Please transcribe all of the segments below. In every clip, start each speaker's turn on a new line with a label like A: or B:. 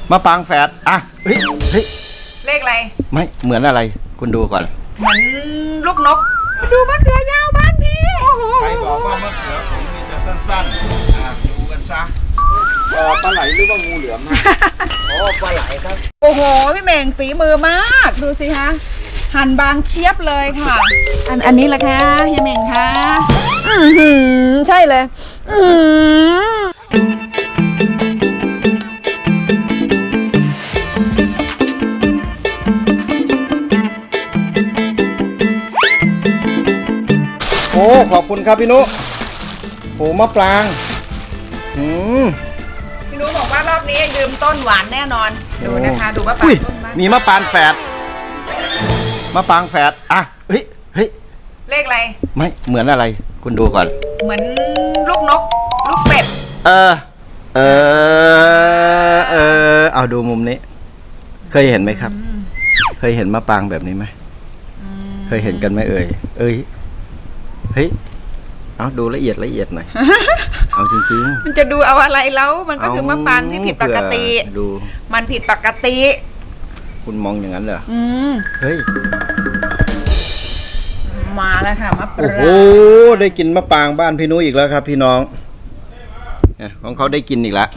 A: มะปรางแฝดอ่ะเฮ้ย
B: เลขอะไร
A: ไม่เหมือนอะไรคุณดูก่อน
B: เหมือนลูกนกมาดูมะเขือยาวบ้านพี่
A: ใครบอกว่ามะเขือผมมีจะสั้นๆดูกันซะปลาไหลหรือว่างูเหลือมนะอ๋อปลาไหลครับ
B: โอ้โหพี่เม่งฝีมือมากดูสิคะหั่นบางเชียบเลยค่ะอันนี้แหละค่ะเฮียเม่งค่ะใช่เลย
A: โอ้ขอบคุณครับพี่นุโอ้มะปราง
B: พี่นุบอกว่ารอบนี้ยืมต้นหวานแน่นอนดูนะคะดูมะปรางต้น
A: มีมะปรางแฝดมะปรางแฝดอ่ะเฮ้ย
B: เลขอะไร
A: ไม่เหมือนอะไรคุณดูก่อน
B: เหมือนลูกนกลูกเป็ด
A: เอาดูมุมนี้เคยเห็นไหมครับเคยเห็นมะปรางแบบนี้ไหมเคยเห็นกันไหมเฮ้ยเอาดูละเอียดหน่อยเอาจริง
B: ๆมันจะดูเอาอะไรแล้วมันก็คือมะปรางที่ผิดปกติ
A: ดู
B: มันผิดปกติ
A: คุณมองอย่างนั้นเหรอเฮ้ย
B: มาแล้วค่ะมะปราง
A: โอ้โหได้กินมะปรางบ้านพี่นุ้ยอีกแล้วครับพี่น้องของเขาได้กินอีกแล้ว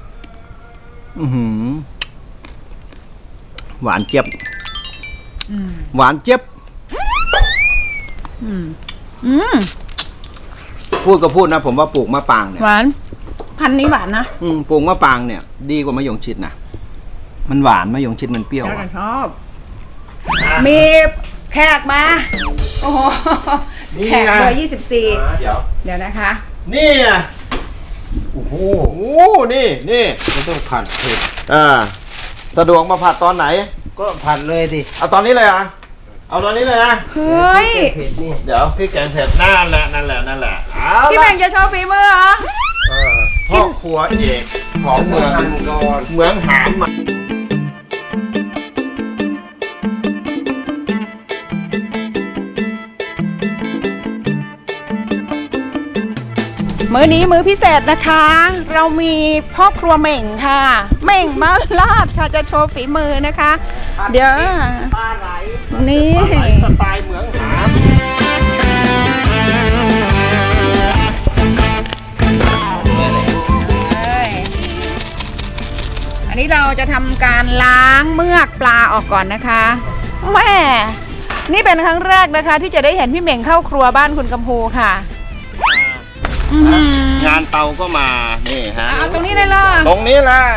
A: หวานเจี๊ยบหวานเจี๊ยบพูดก็พูดนะผมว่าปลูกมะปรางเนี่ย
B: หวานพันนี้หวานนะ
A: ปลูกมะปรางเนี่ยดีกว่ามะยงชิดนะมันหวานมะยงชิดมันเปรี้ยว
B: ชอบมีแขกมาโอ้โหแขกเบอร์24เดี๋ยวนะคะ
A: นี่โอ้โหนี่ไม่ต้องผัดเผ็ดสะดวกมาผัดตอนไหน
C: ก็ผัดเลยดิ
A: เอาตอนนี้เลยเอาตอนนี้เลยนะ
B: เฮ้ย
A: เดี๋ยวพี่แกงเผ็ดนั่นแหละ
B: พี่แม่งจะโชว์ฝีมือเหรอ
A: พ่อครัวเอกของเมืองหามมา
B: มื้อนี้มื้อพิเศษนะคะเรามีพ่อครัวเหม่งค่ะเหม่งมาลาดค่ะจะโชว์ฝีมือนะคะเดี๋ยว
A: ปลาไหล
B: นี่
A: สไตล์เมืองหาม
B: อันนี้เราจะทำการล้างเมือกปลาออกก่อนนะคะแม่นี่เป็นครั้งแรกนะคะที่จะได้เห็นพี่เหม่งเข้าครัวบ้านคุณกำพูค่ะ
A: งานเตาก็มานี่ฮะ
B: เอาตรงนี้เลยเหรอ
A: ตรงนี้แหละ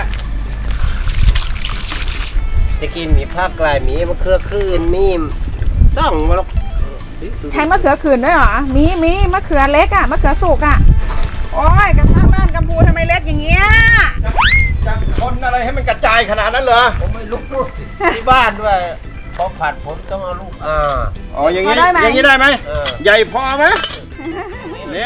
C: จะกินมีภาคกลายมีมะเขือคืนมีต้องมาลก
B: ใช้มะเขือคืนด้วยเหรอมีมะเขือเล็กอะมะเขือสุกอะโอ้ยกระทั่งบ้านกำพูทำไมเล็กอย่างเงี้ย
A: จะคนอะไรให้มันกระจายขนาดนั้นเหรอ
C: ผมไม่ลุกด้วยที่บ้านด้วยพอผัดผมต้องเอาลูก
A: อ๋ออย่างนี้ได้ไหมใหญ่พอไหมเนี่ย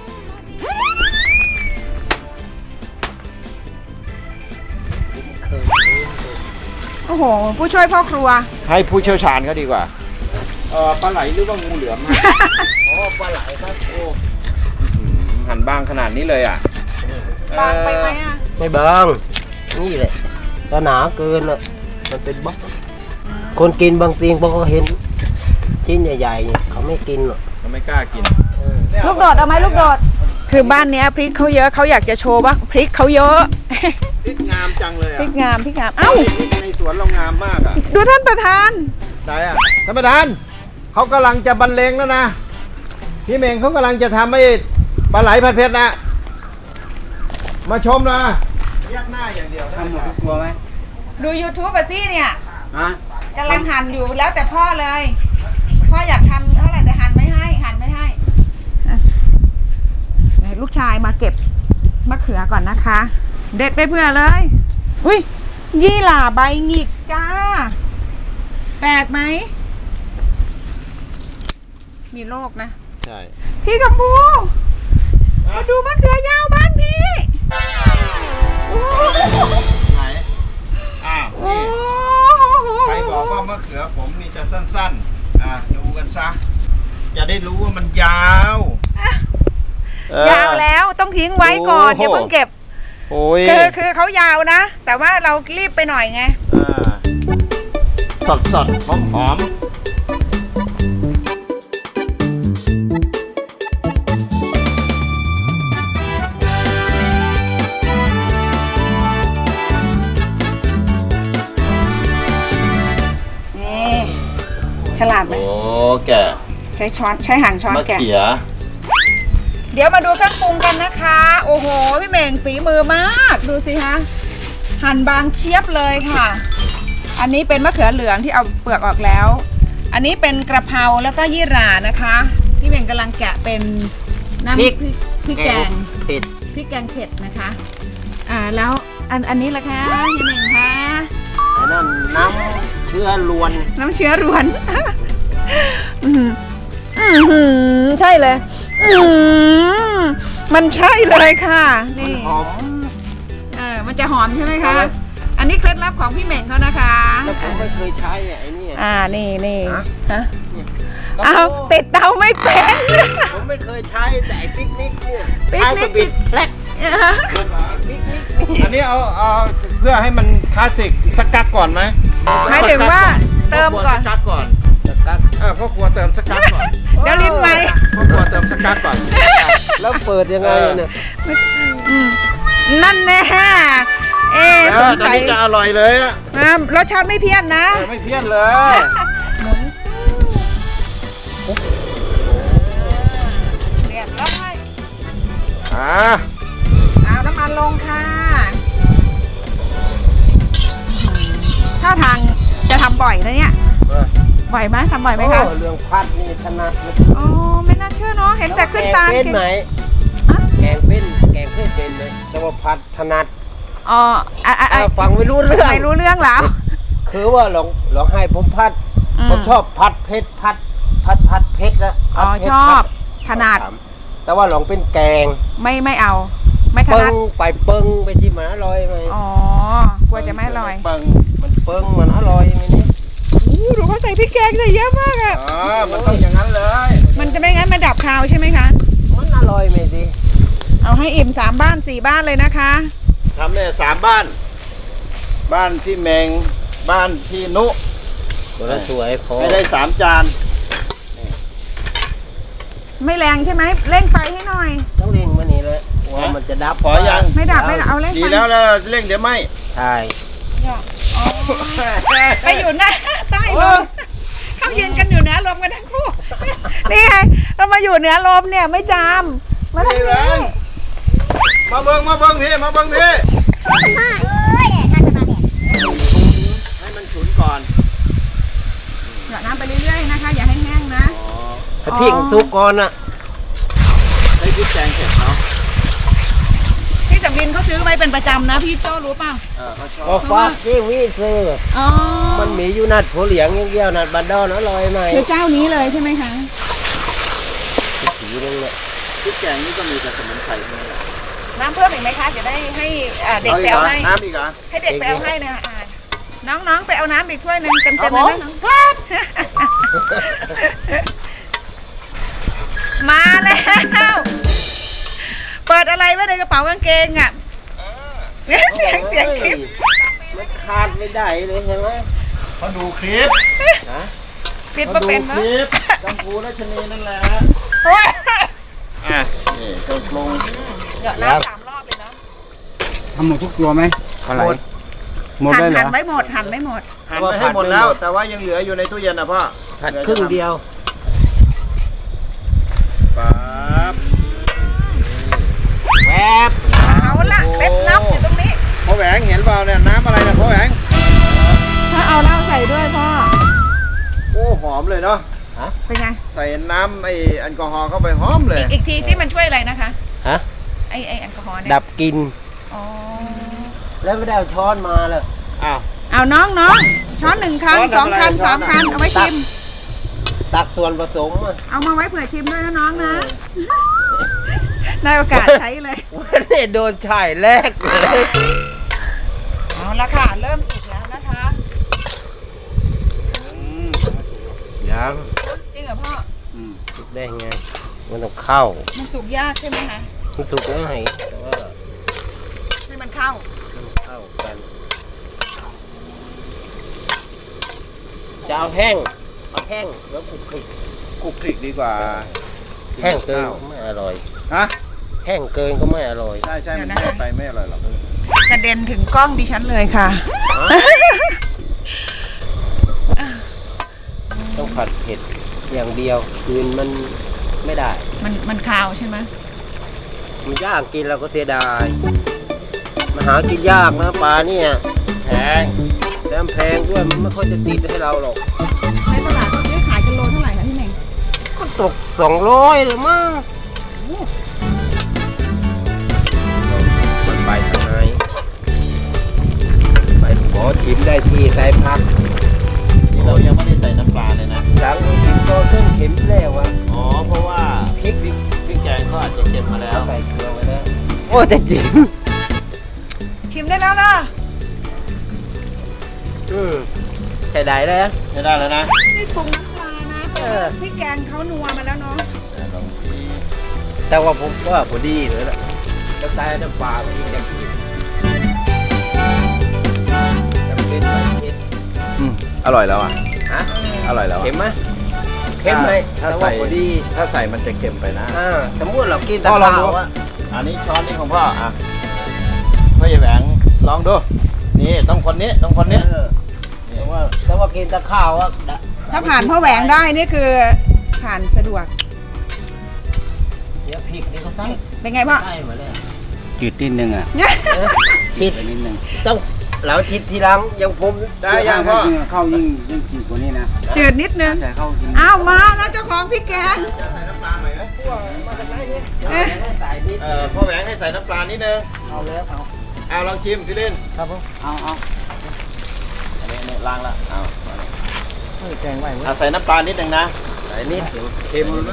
B: โอ้โหผู้ช่วยพ่อครัว
A: ให้ผู้เชี่ยวชาญเขาดีกว่าปลาไหลหรือว่างูเหลือม
C: อ๋อปลาไหลครับโอ้
A: หั่นบางขนาดนี้เลย
B: บางไปไหม
C: ไม่บางนี่แหละถ้าหนาเกินอ่ะมันเป็นบล็อกคนกินบางทีพอเขาเห็นชิ้นใหญ่ๆเขาไม่กินหรอก
A: เขาไม่กล้ากิน
B: ลูกโดดเอาไหมลูกโดดคือบ้านนี้พริกเขาเยอะเขาอยากจะโชว์ว่าพริกเขาเยอะ
A: พริกงามจังเลย
B: พริกงามเอ้า
A: ในสวนเรางามมาก
B: ดูท่านประธาน
A: ได้ท่านประธานเขากำลังจะบรรเลงแล้วนะพี่เมงเขากำลังจะทำให้ปลาไหลผัดเผ็ดนะมาชมนะเรียกหน้าอย่างเดียว
C: ทำหมดทุกครัวไหม
B: ดู YouTube ป่ะซี่เนี่ยกำลังหั่นอยู่แล้วแต่พ่อเลยพ่ออยากทำเท่าไหร่แต่หั่นไม่ให้ลูกชายมาเก็บมะเขือก่อนนะคะเด็ดไปเพื่อเลยอุ้ยยี่หร่าใบหงิกจ้าแปลกไหมมีโรคนะ
A: ใช่
B: พี่กำพูมาดูมะเขือยาวบ้านพี่
A: ไหนนี่ใครบอกว่ามะเขือผมนี่จะสั้นๆดูกันซะจะได้รู้ว่ามันยาว
B: แล้วต้องทิ้งไว้ก่อนอย่าเพิ่งเก็บ
A: โอ้ย
B: คือเขายาวนะ แต่ว่าเรารีบไปหน่อยไง
A: สดหอม
B: นี่ฉลาดไหม
A: โอ้แกะ
B: ใช้ช้อนใช้หางช้อน
A: มะ
B: แกะ
A: เขีย
B: เดี๋ยวมาดูเครื่องปรุงกันนะคะ โอ้โห พี่เหม่งฝีมือมาก ดูสิคะหั่นบางเชียบเลยค่ะ อันนี้เป็นมะเขือเหลืองที่เอาเปลือกออกแล้ว อันนี้เป็นกระเพราแล้วก็ยี่หร่านะคะ พี่เหม่งกำลังแกะเป็นน้ำพริกแกง
C: ติด
B: พริกแกงเผ็ดนะคะ แล้วอันนี้ล่ะคะพี่เหม่งคะ
C: อันนั้นน้ำเชื้อลวน
B: น้ำเชื้อรวน อื้อหืออื้อหือใช่เลยอื้อหือมันใช่เลยค่ะนี่
C: หอม
B: มันจะหอมใช่ไหมคะ
C: ใช่
B: อันนี้เคล็ดลับของพี่เหม่งเขานะคะ
C: แล้วผมไม่เคยใช้ไอ้นี่
B: นี่
C: ฮะ
B: ฮะเอาติดเตาไม่เป็น
C: ผมไม่เคยใช้แต่ไอ้ปิกนิกเนี่ย
B: ปิก
C: ใช้
B: นิ
C: ก็
B: ก
C: บิดแพลกปิกนิกนี่
A: อันนี้เอาเพื่อให้มันคลาสสิกสักกักก่อนไหม
B: หมายถึงว่าเติมก่อน
A: สักกักก่อน
C: จะกัด
A: พ่อครัวเติมสักกักก่อน
B: เดี๋ยวลิ้นไหม
A: พ่อครัวเติมสักกักก่อน
C: แล้วเปิดยังไงเนี่ย
B: นั่นแน่
A: แล้ว
B: สง
A: ตอน
B: สัย
A: นี้จะอร่อยเลยอะ
B: รสชาติไม่เพี้ยนนะ
A: ไม่เพี้ยนเลย
B: หมุนสู้เรียบร้อย เอาน้ำมันลงค่ะถ้าทางจะทำบ่อยนะเนี่ย บ่อยไหมทำบ่อยไหมคะ
C: โอ้เรื่องพัดนี่ถนัดเลย
B: อ๋อไม่น่าเชื่อเนาะ เห็นแต่ขึ้นตา
C: แกงเป็นไหม
B: ฮะ
C: แกงเป็นแกงเคยเป็นไหมแต่ว่าพัดถนัด
B: อ๋อ
C: ฟังไม่รู้เรื่อง
B: ไม่รู้เรื่องแล้ว
C: คือว่าลองให้ผมพัด ผมชอบพัดเพชรพัดเพชรนะ
B: อ๋อ
C: พัดเพชร
B: ชอบ ถนัด
C: แต่ว่าลองเป็นแกง
B: ไม่เอา ไม่ถ
C: เปิ้
B: นัด
C: งไปเปิ้งไปที่มันอร่อยไหม
B: อ๋อกลัวจะไม่อร่อย
A: เปิง
C: มันเปิ้งมันอร่อยไหมนี่
B: ดูเขาใส่พริกแกงใส่เยอะมากอ่ะ
A: มันต้องอย่างนั้นเลย
B: มันจะไม่งั้นมันดับคาวใช่ไหมคะ
C: มันอร่อยไหมดิ
B: เอาให้อิ่ม3 บ้าน 4 บ้านเลยนะคะ
A: ทำเนี่ย3 บ้าน บ้านพี่เมงบ้านพี่นุ
C: ตัวละสวยพอ
A: ไม่ได้3 จาน
B: ไม่แรงใช่ไหมเร่งไฟให้หน่อย
C: ต้องเร่งมานี่เลยว่ามันจะดับ
A: ขอยัง
B: ไม่ดับไม่ดับเอาเร่ง
A: ดี
B: ไฟ
A: แล้วเร่งเดี๋ยวไหม
C: ใช่
B: อ๋อไปอยู่หน้าใต้ลมเขายืนกันอยู่เหนือลมกันทั้งคู่ นี่ไงเรามาอยู่เหนือลมเนี่ยไม่จามมาทางนี้
A: มาเบิ้งพี่มาเบิ้งพี่ให้มันฉุนก่อน
B: หยอดน้ำไปเรื่อยๆนะคะ อย่าให้แห้งนะ
C: ถ้าพริกสุกก่อนอ่ะ
A: ได้พริกแกงเสร็จเนาะ
B: พี่สำลินเขาซื้อไว้เป็นประจำนะพี่โจ้รู้เปล่า
A: เขาชอบ
C: ก็ฟักที่วิซื้อ
B: อ๋อ
C: มันมีอยู่นัดผัวเหลียงอย่างเดียวนัดบันดอนอร่อยไหม
B: คือเจ้านี้เลยใช่ไหมคะ
C: สีนึงเนี่ย
A: พริกแกงนี่ก็มีแต่สมุนไพรทั้งนั้นแหละ
B: น้ำเพิ่มอีกไหมคะจะได้ให้เด็กไปเอาให้
A: น้ำอีกเหรอ
B: ให้เด็กไปเอาให้นะน้องๆไปเอาน้ำอีกถ้วยหนึ่งเต็มๆเลยนะน้องมาแล้วเปิดอะไรไว้ในกระเป๋ากางเกงอ่ะเสียงคลิป
C: มันขาดไม่ได้เลยใช่ไหม
A: เขาดูคลิป
C: ฮะ
B: ปิด
A: เขา
B: มา
A: ดู
B: เป็น
A: ค
B: เนาะ
A: ลิปกัมพูรัชนีนั่นแหละนี่ก็ลง
B: หยอดน้ำ3 รอบเลยเนาะ
D: ทำหมดทุกตัวไหมอะไรหมดได้เหรอ
B: หั่นไม่หมด
A: หั่นไปให้หมดแล้ว แต่ว่ายังเหลืออยู่ในตู้เย็นนะพ่อ
C: ผัดครึ่งเดียว
A: ปั๊บ
C: แวบ
B: เอาละเคล็ดลับอยู่ตรงนี้
A: พ่อแหวงเห็นเปล่าเนี่ยน้ำอะไรเนี่ยพ่อแหวง
B: ถ้าเอาเหล้าใส่ด้วยพ่อ
A: โอ้หอมเลยเนาะ
B: เป็นไง
A: ใส่น้ำไอแอลกอฮอล์เข้าไปหอมเลย
B: อีกทีที่มันช่วยอะไรนะคะ
C: ฮะ
B: ไอแอลกอฮอล์เนี่ย
C: ดับกลิน
B: อ๋อ
C: แล้วไม่ได้เอาช้อนมาเลย
A: อ้าว
B: เอาน้องช้อน1 คัน 2 คัน 3 คันเอาไว้ชิม
C: ตักส่วนผสมอะ
B: เอามาไว้เผื่อชิมด้วยนะน้องนะได้โอกาสใช้เลย
C: วันนี้โดนฉายแรกเลย
B: เอาละค่ะ เริ่มสุกแล้วนะคะ
C: ยัง
B: จริงเหรอพ่อ
C: สุกได้ไงมันต้องเข้า
B: มันสุกยากใช่ไหมคะ
C: มันสุกง่ายแต่ว่า
B: ใช่ไหมมันเข้า
C: เข้ากันจะเอาแห้งแล้วคลุกคลิก
A: คลุกคลิกดีกว่า
C: แห้งเกินก็ไม่อร่อย
A: ฮะ
C: แห้งเกินก็ไม่อร่อย
A: ใช่มันแห้งไปไม่อร่อยหรอก
B: กระเด็นถึงกล้องดิฉันเลยค่ะ
C: ต้องผัดเผ็ดอย่างเดียวคืนมันไม่ได้
B: มันคาวใช่ไหม
C: มันยากกินเราก็เสียดายมันหากินยากนะปลาเนี่ย
A: แพง
C: แล้วแพงด้วยมันไม่ค่อยจะติดให้เราหรอก
B: ในตลาดเขาซื้อขายกันโลเท่าไหร่คะพี่เน่ง
C: ก็ตก200หรือมั้งมันไปทางไหนไปขอชิมได้ที่ใส่ผัก
A: นี่เรายังไม่ได้ใส่น้ำปลาเลยนะ
C: หลังเราชิมก็เส้นเข็มแล้วอะ
A: อ๋อเพราะว่าพริกแกงเขาอาจจะเค็มมาแล้ว
C: ใส่เกลือไว้แล้วโอ้จะจิ๋ม
B: ชิมได้แล้วนะ
C: ใส่ได้แล้ว
A: ใช้ได้แล้วนะ
B: นี่ปรุงน้ำปลานะเพราะว่าพริกแกงเขานัวมาแล้วเนาะ
C: แต่ว่าผมว่าพอดีเลยล่ะแล้วใส่น้ำปลาไปอีกอย่างนี้จำเป็นไหมเผ็ด
A: อร่อยแล้วอ่ะ
C: ฮะ
A: อร่อยแล้วอะ
C: เค็มไหมเค็มไหม
A: ถ้า
C: แต่
A: ใส่
C: ว่าพอดี
A: ถ้าใส่มันจะเค็มไปนะ
C: สมมติเรากินแต่
A: พ่อลอง
C: ข้า
A: ดู
C: วอะ
A: อันนี้ช้อนนี้ของพ่ออ่ะพ่อใหญ่แหวงลองดู นี่ต้องคนนี้ต้องคนนี้
C: แต่ว่ากินแต่ข้าวอะ
B: ถ้าผ่านพ่อแหวงได้นี่คือผ่านสะดวก
C: เดี๋ยวพริกนี่ก็ใส่
B: เป็นไงพ่อ
C: ใส่มาแล้ว
D: จืดนิดนึงอ่ะ
C: ชิด
D: ไปนิดนึง
C: ต้องเราชิดทีหลังอย่างผม
A: ได้ยังพ่อ
D: เข้ายิ่งจืดกว่านี้นะ
B: จืดนิดนึง
D: แต่เข้ายิ่ง
B: อ้าวมาแล้วเจ้าของพริกแกง
A: จะใส่น้ำปลาหน่อยไหม
B: เอ๊ะ
C: ใส่นิด
A: พ่อแหวงให้ใส่น้ำปลานิดนึง
C: เอาแล้วเอา
A: เอาลองชิมพี่ลิน
C: ครับผม
D: เอา
A: อันนี้ล้างละเอา
C: แกงไว้
A: เอาใส่น้ำปลานิดนึงนะ
C: ใส่นิด
A: เค็มนะ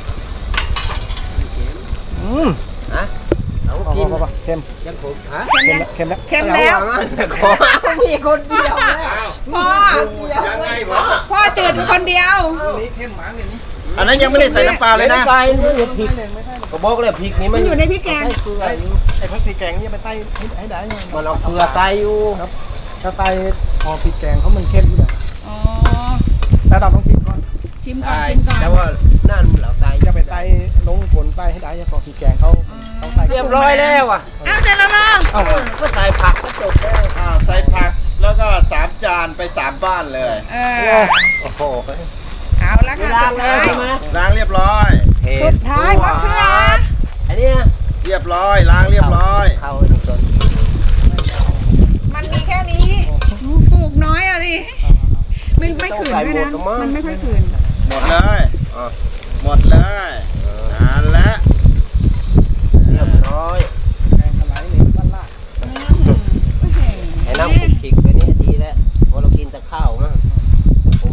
C: ฮะเอากิน
A: เค็ม
C: ยังผมฮะ
B: เค็มแล้ว
A: เค็มแล้ว
B: เค็มแล้ว
C: ขอมีคนเดียวนะ
A: อ้าว
B: พ่อ
A: ยังไงพ่อ
B: พ่อจืดอยู่คนเดียว
A: อันนั้นยังไม่ได้ใส่น้ำปลาเลยนะ
C: ใส่นี่พริกก็บอกเลยพริกนี่
B: มันอยู่ในพริกแกง
C: ใส่เกลืออยู่
E: ไอ้พวกพริกแกงนี่ไปใต้ให้ได้
C: มันเอาเกลือใส่อยู่
E: ถ้าใต้พอพริกแกงเขามันเข้มอยู่แล้ว
B: อ๋อ
E: แล้วเราต้องกินก่อน
B: ชิมก่อนชิมก่อน
C: แต่ว่านั่นเราใส่
E: จะไปใต้ลงฝนใต้ให้ได้พอพริกแกงเขาต้องใส่
C: เรียบร้อยแล้วอ่ะ
B: อ้าวเสร็จแล้วเนาะ
C: ก็ใส่ผักก็จบแล้ว
A: อ้าวใส่ผักแล้วก็3 จานไป3 บ้านเลย
B: เออ
C: โอ้โห
B: เอาละค่ะ
C: ล้า
B: สุ
C: ง
B: ด
C: แล้ว
B: ท้าย
C: ใช่ไหม
A: ล้างเรียบร้อย
B: สุดท้ายมะเขือ
C: อันนี้
A: เรียบร้อยล้างเรียบร้อย
C: เข้าอันนี้ก่อน
B: มันมีแค่นี้ปลูกน้อยอ่ะสิไม่ขืนด้วยนะมันไม่ค่อยขืน
A: หมดเลยหมดเลยนั่นแหละ
C: เรียบร้อย
E: แกงอะไรนี่บ้านลาด
C: ไอ้น้ำคลุกคลิกไปนี่ดีแล้วเพราะเรากินแต่ข้าวนะผม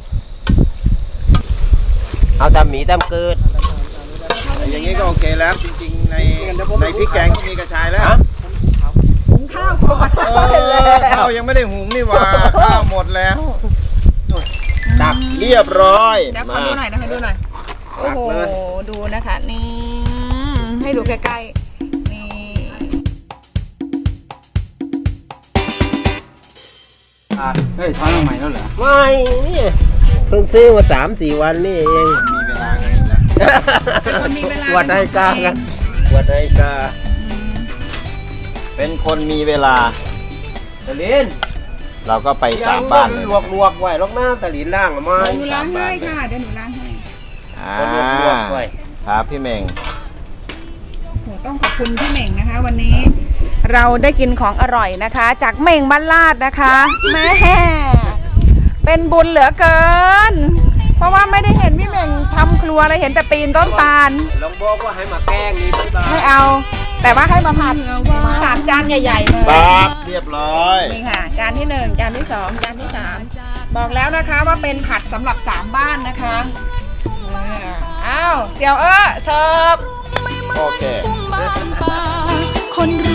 C: เอาตามหมีตามเกิด
A: อย่างนี้ก็โอเคแล้วจริงๆในพริกแกงก็มีกระชายแล้ว
B: หุงข้าวก่อน
A: ข้าวยังไม่ได้หุงนี่หว่าข้าวหมดแล้ว
C: ตัก
A: เรียบร้อย
B: เดี๋ยวขอดูหน่อยนะขอดูหน่อยโอ้โหดูนะคะนี่ให้ดูใกล้ๆนี่
D: เฮ้ยทอดใหม่แล้วเหรอ
C: ไม่นี่เพิ่งซื้อมา3-4 วันนี่เอง
A: มีเวลาไงอีกแล้ว
B: เป็นคนมีเวลา
C: วัดนาฬิกากันวัดนาฬิกา
A: เป็นคนมีเวลา
C: ตะลิน
A: เราก็ไป3 บ้านเลย
C: ลวกไว้ลอกหน้าตะลินล่างมา
B: เดี๋ยวหนูล้างให้ค่ะเดี๋ยวหนูล้างให้
A: อ่า
C: ลวกไว้
A: ครับพี่เม่ง
B: โหต้องขอบคุณพี่เหม่งนะคะ วันนี้ เราได้กินของอร่อยนะคะ จากเหม่งบ้านลาดนะคะแม่เป็นบุญเหลือเกิน เพราะว่าไม่ได้เห็นพี่เหม่งทำครัวเลยเห็นแต่ปีนต้นตาล
C: ลองบอกว่าให้มาแกล้งนี่ไม่ได้
B: ไม่เอา แต่ว่าให้มาผัด3 จานใหญ่ๆเลย
A: ปั๊บเรียบร้อย
B: นี่ค่ะ จานที่ 1 จานที่ 2 จานที่ 3 บอกแล้วนะคะว่าเป็นผัดสำหรับ3 บ้านนะคะอ้าวเสี่ยวเสิร์ฟ
A: โอเค
F: คน